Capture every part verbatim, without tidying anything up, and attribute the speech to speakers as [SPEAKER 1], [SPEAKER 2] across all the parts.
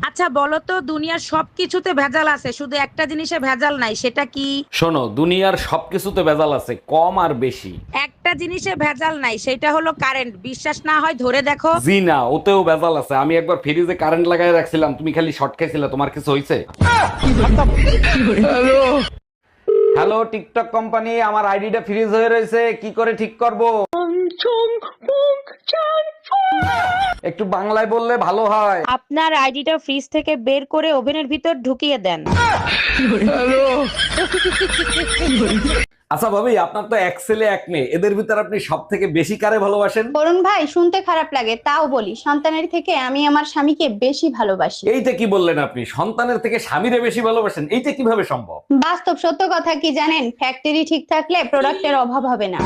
[SPEAKER 1] আচ্ছা বলো তো, দুনিয়ার সবকিছুতে ভেজাল আছে, শুধু একটা জিনিসে ভেজাল নাই, সেটা কি?
[SPEAKER 2] শোনো, দুনিয়ার সবকিছুতে ভেজাল আছে, কম আর বেশি।
[SPEAKER 1] একটা জিনিসে ভেজাল নাই, সেটা হলো কারেন্ট। বিশ্বাস না হয় ধরে দেখো।
[SPEAKER 2] জি না, ওতেও ভেজাল আছে। আমি একবার ফ্রিজে কারেন্ট লাগাই রাখছিলাম, তুমি খালি শর্ট খাইছিলে। তোমার কিছু হয়েছে? হ্যালো টিকটক কোম্পানি, আমার আইডিটা ফ্রিজ হয়ে রয়েছে, কি করে ঠিক করব? একটু বাংলায় বললে ভালো হয়।
[SPEAKER 1] আপনার আইডিটা ফ্রিজ থেকে বের করে ওভেনের ভিতর ঢুকিয়ে দেন।
[SPEAKER 2] আচ্ছা ভাবি, আপনার তো এক ছেলে এক মেয়ে, এদের ভিতর আপনি সব থেকে বেশি কারে ভালোবাসেন?
[SPEAKER 3] অরুণ ভাই, শুনতে খারাপ লাগে তাও বলি, সন্তানের থেকে আমি আমার স্বামীকে বেশি ভালোবাসি।
[SPEAKER 2] এইটা কি বললেন আপনি? সন্তানের থেকে স্বামীরে বেশি ভালোবাসেন, এইটা কিভাবে সম্ভব?
[SPEAKER 3] বাস্তব সত্য কথা কি জানেন, ফ্যাক্টরি ঠিক থাকলে প্রোডাক্টের অভাব হবে না।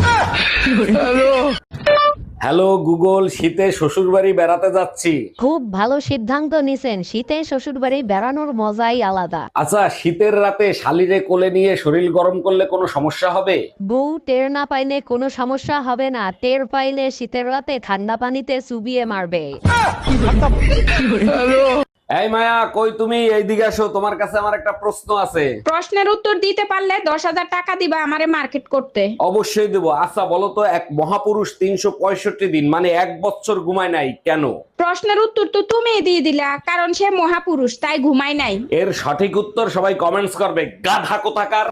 [SPEAKER 2] হ্যালো গুগল, শীতে শ্বশুর বাড়ি বেড়াতে যাচ্ছি।
[SPEAKER 4] খুব ভালো সিদ্ধান্ত নিছেন। শীতে শ্বশুরবাড়ি বেড়ানোর মজাই আলাদা।
[SPEAKER 2] আচ্ছা, শীতের রাতে শালিরে কোলে নিয়ে শরীর গরম করলে কোনো সমস্যা হবে?
[SPEAKER 4] বউ টের না পাইলে কোনো সমস্যা হবে না, টের পাইলে শীতের রাতে ঠান্ডা পানিতে চুবিয়ে মারবে।
[SPEAKER 2] এই মায়া, কই তুমি? এইদিকে আসো, তোমার কাছে আমার একটা প্রশ্ন আছে।
[SPEAKER 1] প্রশ্নের উত্তর দিতে পারলে দশ হাজার টাকা দিবা আমারে মার্কেট করতে।
[SPEAKER 2] অবশ্যই দেবো। আচ্ছা বলো তো, এক মহাপুরুষ তিনশো পঁয়ষট্টি দিন মানে এক বছর ঘুমায় নাই কেন?
[SPEAKER 1] প্রশ্নের উত্তর তো তুমি দিয়ে দিলা, কারণ সে মহাপুরুষ, তাই ঘুমায় নাই।
[SPEAKER 2] এর সঠিক উত্তর সবাই কমেন্টস করবে, গাধা কোথাকার।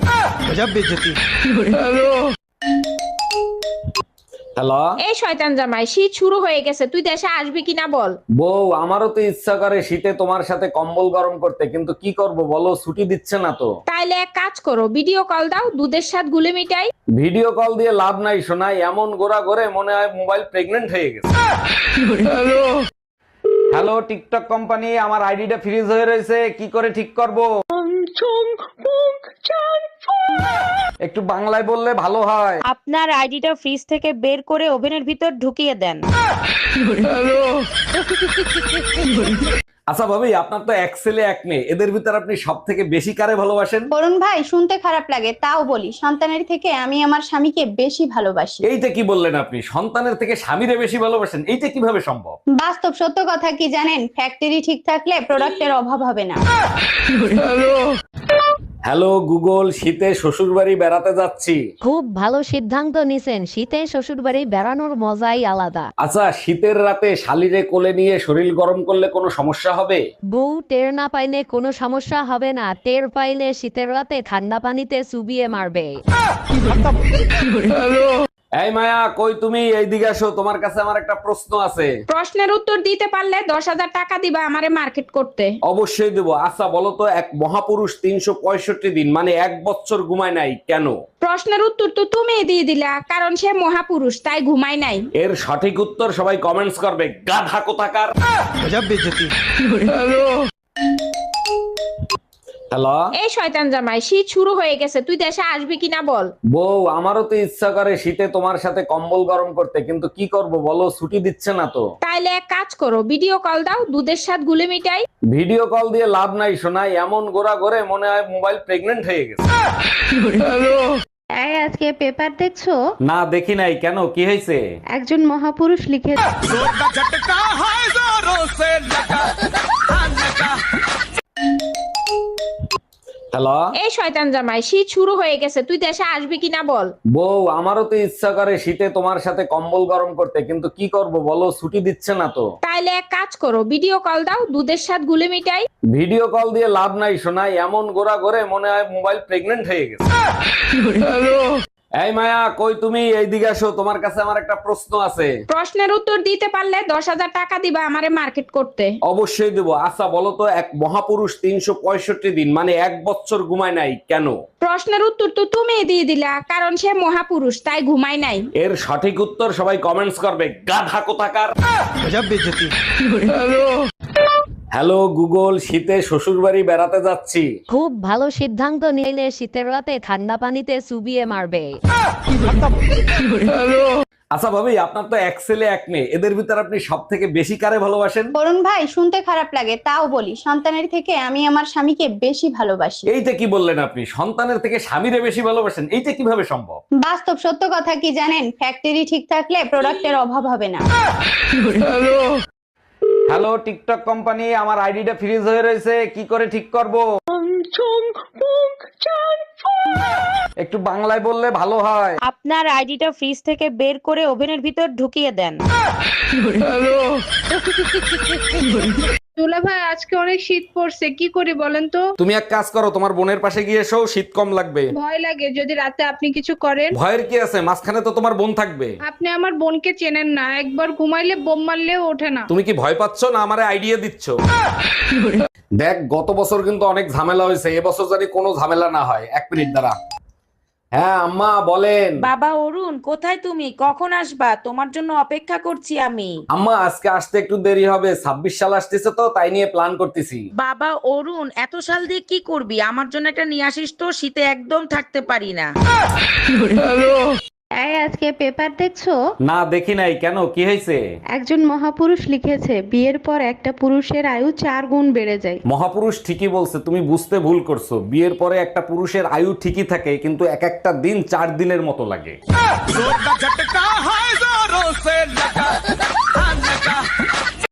[SPEAKER 2] হ্যালো।
[SPEAKER 1] এই শয়তান জামাই, শীত শুরু হয়ে গেছে, তুই দেশে আসবি কিনা বল।
[SPEAKER 2] বউ, আমারও তো ইচ্ছা করে শীতে তোমার সাথে কম্বল গরম করতে, কিন্তু কি করব বলো, ছুটি দিচ্ছে না তো।
[SPEAKER 1] তাইলে এক কাজ করো, ভিডিও কল দাও, দুধের সাথে গুলে মিটাই।
[SPEAKER 2] ভিডিও কল দিয়ে লাভ নাই শোনাই, এমন গোড়া করে মনে হয় মোবাইল প্রেগনেন্ট হয়ে গেছে। হ্যালো টিকটক কোম্পানি, আমার আইডিটা ফ্রিজ হয়ে রয়েছে, কি করে ঠিক করব? একটু বাংলায় বললে ভালো হয়।
[SPEAKER 1] আপনার আইডিটা ফ্রিজ থেকে বের করে ওভেনের ভিতর ঢুকিয়ে দেন।
[SPEAKER 2] আচ্ছা ভাবি, আপনার তো এক ছেলে এক মেয়ে, এদের ভিতর আপনি সব থেকে বেশি কারে ভালোবাসেন?
[SPEAKER 3] অরুণ ভাই, শুনতে খারাপ লাগে তাও বলি, সন্তানের থেকে আমি আমার স্বামীকে বেশি ভালোবাসি।
[SPEAKER 2] এইটা কি বললেন আপনি? সন্তানের থেকে স্বামীরে বেশি ভালোবাসেন, এইটা কিভাবে সম্ভব?
[SPEAKER 3] বাস্তব সত্য কথা কি জানেন, ফ্যাক্টরি ঠিক থাকলে প্রোডাক্টের অভাব হবে না।
[SPEAKER 2] হ্যালো গুগল, শীতে শ্বশুর বাড়ি বেড়াতে যাচ্ছি।
[SPEAKER 4] খুব ভালো সিদ্ধান্ত নিছেন। শীতে শ্বশুরবাড়ি বেড়ানোর মজাই আলাদা।
[SPEAKER 2] আচ্ছা, শীতের রাতে শালিরে কোলে নিয়ে শরীর গরম করলে কোনো সমস্যা হবে?
[SPEAKER 4] বউ টের না পাইলে কোনো সমস্যা হবে না, টের পাইলে শীতের রাতে ঠান্ডা পানিতে চুবিয়ে মারবে।
[SPEAKER 2] এই মায়া, কই তুমি? এইদিকে আসো, তোমার কাছে আমার একটা প্রশ্ন আছে।
[SPEAKER 1] প্রশ্নের উত্তর দিতে পারলে দশ হাজার টাকা দিবা আমারে মার্কেট করতে।
[SPEAKER 2] অবশ্যই দেবো। আচ্ছা বলো তো, এক মহাপুরুষ তিনশো পঁয়ষট্টি দিন মানে এক বছর ঘুমায় নাই কেন?
[SPEAKER 1] প্রশ্নের উত্তর তো তুমি দিয়ে দিলা, কারণ সে মহাপুরুষ, তাই ঘুমায় নাই।
[SPEAKER 2] এর সঠিক উত্তর সবাই কমেন্টস করবে, গাধা কোথাকার। হ্যালো।
[SPEAKER 1] এই শয়তান জামাই, শীত শুরু হয়ে গেছে, তুই দেশে আসবি কিনা বল।
[SPEAKER 2] বউ, আমারও তো ইচ্ছা করে শীতে তোমার সাথে কম্বল গরম করতে, কিন্তু কি করব বলো, ছুটি দিচ্ছে না তো।
[SPEAKER 1] তাইলে এক কাজ করো, ভিডিও কল দাও, দুধের সাথে গুলে মিটাই।
[SPEAKER 2] ভিডিও কল দিয়ে লাভ নাই শোনাই, এমন গোড়া করে মনে হয় মোবাইল প্রেগনেন্ট হয়ে গেছে।
[SPEAKER 3] এই, আজকে পেপার দেখছো?
[SPEAKER 2] না দেখি নাই, কেন কি হয়েছে?
[SPEAKER 3] একজন মহাপুরুষ লিখে
[SPEAKER 2] হ্যালো।
[SPEAKER 1] এই শয়তান জামাই, শীত শুরু হয়ে গেছে, তুই দেশে আসবি কিনা বল।
[SPEAKER 2] বউ, আমারও তো ইচ্ছা করে শীতে তোমার সাথে কম্বল গরম করতে, কিন্তু কি করব বলো, ছুটি দিচ্ছে না তো।
[SPEAKER 1] তাইলে এক কাজ করো, ভিডিও কল দাও, দুধের সাথে গুলে মিটাই।
[SPEAKER 2] ভিডিও কল দিয়ে লাভ নাই শোনাই, এমন গোড়া করে মনে হয় মোবাইল প্রেগনেন্ট হয়ে গেছে। এই মায়া, কই তুমি? এইদিকে আসো, তোমার কাছে আমার একটা প্রশ্ন আছে।
[SPEAKER 1] প্রশ্নের উত্তর দিতে পারলে দশ হাজার টাকা দিবা আমারে মার্কেট করতে।
[SPEAKER 2] অবশ্যই দেবো। আচ্ছা বলো তো, এক মহাপুরুষ তিনশো পঁয়ষট্টি দিন মানে এক বছর ঘুমায় নাই কেন?
[SPEAKER 1] প্রশ্নের উত্তর তো তুমি দিয়ে দিলা, কারণ সে মহাপুরুষ, তাই ঘুমায় নাই।
[SPEAKER 2] এর সঠিক উত্তর সবাই কমেন্টস করবে, গাধা কোথাকার। হ্যালো গুগল, শীতে শ্বশুর বাড়ি বেড়াতে যাচ্ছি।
[SPEAKER 4] খুব ভালো সিদ্ধান্ত নিলে শীতের রাতে ঠান্ডা পানিতে চুবিয়ে মারবে।
[SPEAKER 2] আচ্ছা ভাবি, আপনার তো এক ছেলে এক মেয়ে, এদের ভিতর আপনি সব থেকে বেশি কারে ভালোবাসেন?
[SPEAKER 3] অরুণ ভাই, শুনতে খারাপ লাগে তাও বলি, সন্তানের থেকে আমি আমার স্বামীকে বেশি ভালোবাসি।
[SPEAKER 2] এইটা কি বললেন আপনি? সন্তানের থেকে স্বামীরে বেশি ভালোবাসেন, এইটা কিভাবে সম্ভব?
[SPEAKER 3] বাস্তব সত্য কথা কি জানেন, ফ্যাক্টরি ঠিক থাকলে প্রোডাক্টের অভাব হবে না।
[SPEAKER 2] হ্যালো টিকটক কোম্পানি, আমার আইডিটা ফ্রিজ হয়ে রয়েছে, কি করে ঠিক করব? একটু বাংলায় বললে ভালো হয়।
[SPEAKER 1] আপনার আইডিটা ফ্রিজ থেকে বের করে ওভেনের ভিতর ঢুকিয়ে দেন।
[SPEAKER 5] দুলা ভাই আজকে অনেক শীত পড়ছে, কি করি বলেন তো?
[SPEAKER 2] তুমি এক কাজ করো, তোমার বোনের পাশে গিয়ে এসো, শীত কম লাগবে।
[SPEAKER 5] ভয় লাগে যদি রাতে আপনি কিছু করেন।
[SPEAKER 2] ভয়ের কি আছে, মাঝখানে তো তোমার বোন থাকবে।
[SPEAKER 5] আপনি আমার বোনকে চেনেন না, একবার ঘুমাইলে বোম মারলেও ওঠে না।
[SPEAKER 2] তুমি কি ভয় পাচ্ছ না আমারে আইডিয়া দিচ্ছ? দেখ, গত বছর কিন্তু অনেক ঝামেলা হয়েছে, এবছর জানি কোনো ঝামেলা না হয়। এক মিনিট দাঁড়া। হ্যাঁ আম্মা বলেন।
[SPEAKER 1] বাবা অরুণ, কোথায় তুমি? কখন আসবা? তোমার জন্য অপেক্ষা করছি আমি।
[SPEAKER 2] আম্মা আজকে আসতে একটু দেরি হবে, ছাব্বিশ সাল আসতেছে তো, তাই নিয়ে প্ল্যান করতেছি।
[SPEAKER 1] বাবা অরুণ, এত সাল দিয়ে কি করবি? আমার জন্য একটা নিয়ে আসিস তো, শীতে একদম থাকতে পারি না।
[SPEAKER 3] এই আজকে পেপার দেখছো?
[SPEAKER 2] না দেখি নাই, কেন কি হয়েছে?
[SPEAKER 3] একজন মহাপুরুষ লিখেছে বিয়ের পর একটা পুরুষের আয়ু চার গুণ বেড়ে যায়।
[SPEAKER 2] মহাপুরুষ ঠিকই বলছে, তুমি বুঝতে ভুল করছো। বিয়ের পরে একটা পুরুষের আয়ু ঠিকই থাকে, কিন্তু এক একটা দিন চার দিনের মতো লাগে।